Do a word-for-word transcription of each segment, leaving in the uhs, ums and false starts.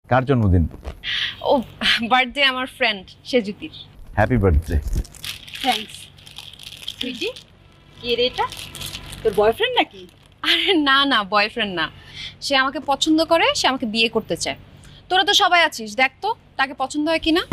কার জন্মদিন? ও বার্থডে আমার ফ্রেন্ড সেজুতির। Happy birthday. থ্যাঙ্কস। সুইটি, কে রে এটা? তোর বয়ফ্রেন্ড নাকি? আরে না না, বয়ফ্রেন্ড না। সে আমাকে পছন্দ করে, সে আমাকে বিয়ে করতে চায়। তোরা তো সবাই আছিস, দেখ তো তাকে পছন্দ হয় কিনা।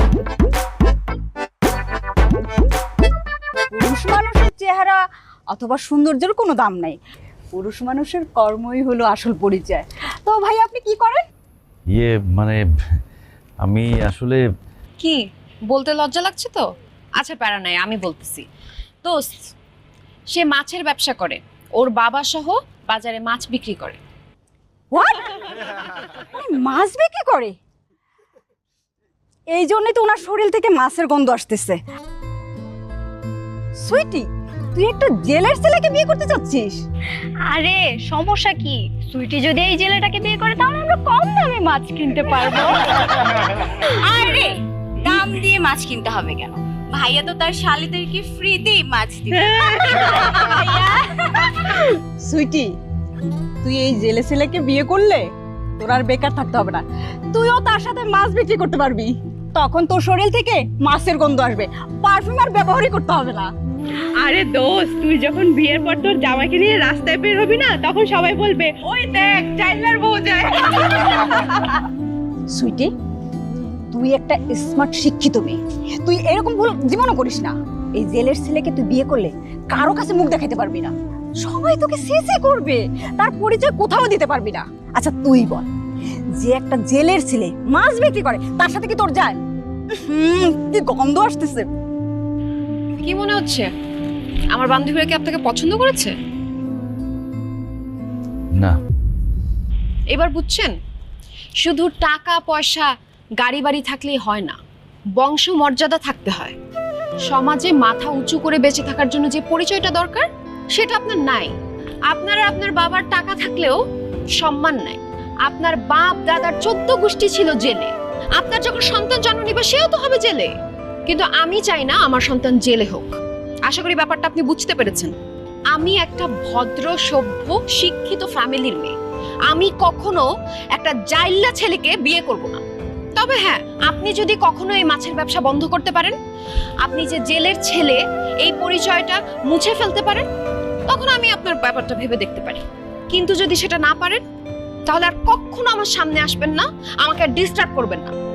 পুরুষ মানুষের চেহারা অথবা সৌন্দর্যের কোনো দাম নাই, পুরুষ মানুষের কর্মই হলো আসল পরিচয়। তো ভাই আপনি কি করেন? ইয়ে মানে আমি আসলে কি বলতে লজ্জা লাগছে তো? আচ্ছা প্যারা নাই, আমি বলতেছি। দোস্ত, সে মাছের ব্যবসা করে, ওর বাবা সহ বাজারে মাছ বিক্রি করে। হোয়াট? মাছ বিক্রি করে? এই জন্যই তো ওনার শরীর থেকে মাছের গন্ধ আসতেছে। সুইটি, তুই একটা জেলের ছেলেকে বিয়ে করতে চাচ্ছিস? আরে সমস্যা কি? সুইটি যদি এই জেলেটাকে বিয়ে করে তাহলে আমরা কম দামে মাছ কিনতে পারবো। আরে দাম দিয়ে মাছ কিনতে হবে কেন? ভাইয়া তো তার শালিদেরকে ফ্রিতেই মাছ দিবে। সুইটি, তুই এই জেলে ছেলেকে বিয়ে করলে তোর আর বেকার থাকতে হবে না, তুইও তার সাথে মাছ বিক্রি করতে পারবি। তখন তোর শরীর থেকে মাছের গন্ধ আসবে, পারফিউম আর ব্যবহারই করতে হবে না। আরে দোস্ত, তুই যখন বিয়ের পর তোর জামাইকে নিয়ে রাস্তায় বের হবি না, তখন সবাই বলবে ওই দেখ চাইলার বউ যায়। সুইটি, তুই একটা স্মার্ট শিক্ষিত মেয়ে, তুই এরকম ভুল জীবনও করিস না। এই জেলের ছেলেকে তুই বিয়ে করলে কারো কাছে মুখ দেখাতে পারবি না, সবাই তোকে সেসে করবে, তার পরিচয় কোথাও দিতে পারবি না। আচ্ছা তুই বল, যে একটা জেলের ছেলে মাছ বিক্রি করে তার সাথে কি তোর যায়? হুম, কি গন্ধ আসতেছে। কি মনে হচ্ছে আমার বান্ধবীরা কি আপনাকে পছন্দ করেছে? না। এবার বুঝছেন, শুধু টাকা পয়সা গাড়ি বাড়ি থাকলেই হয় না, বংশ মর্যাদা থাকতে হয়। সমাজে মাথা উঁচু করে বেঁচে থাকার জন্য যে পরিচয়টা দরকার সেটা আপনার নাই। আপনার আর আপনার বাবার টাকা থাকলেও সম্মান নাই। আপনার বাপ দাদার চোদ্দ গোষ্ঠী ছিল জেলে, আপনার যখন সন্তান জন্ম নিবে সেও তো হবে জেলে। কিন্তু আমি চাই না আমার সন্তান জেলে হোক। আশা করি ব্যাপারটা আপনি বুঝতে পেরেছেন। আমি একটা ভদ্র সভ্য শিক্ষিত ফ্যামিলির মেয়ে, আমি কখনো একটা জাইল্লা ছেলেকে বিয়ে করব না। তবে হ্যাঁ, আপনি যদি কখনো এই মাছের ব্যবসা বন্ধ করতে পারেন, আপনি যে জেলের ছেলে এই পরিচয়টা মুছে ফেলতে পারেন, তখন আমি আপনার ব্যাপারটা ভেবে দেখতে পারি। কিন্তু যদি সেটা না পারেন, তাহলে আর কখনো আমার সামনে আসবেন না, আমাকে ডিস্টার্ব করবেন না।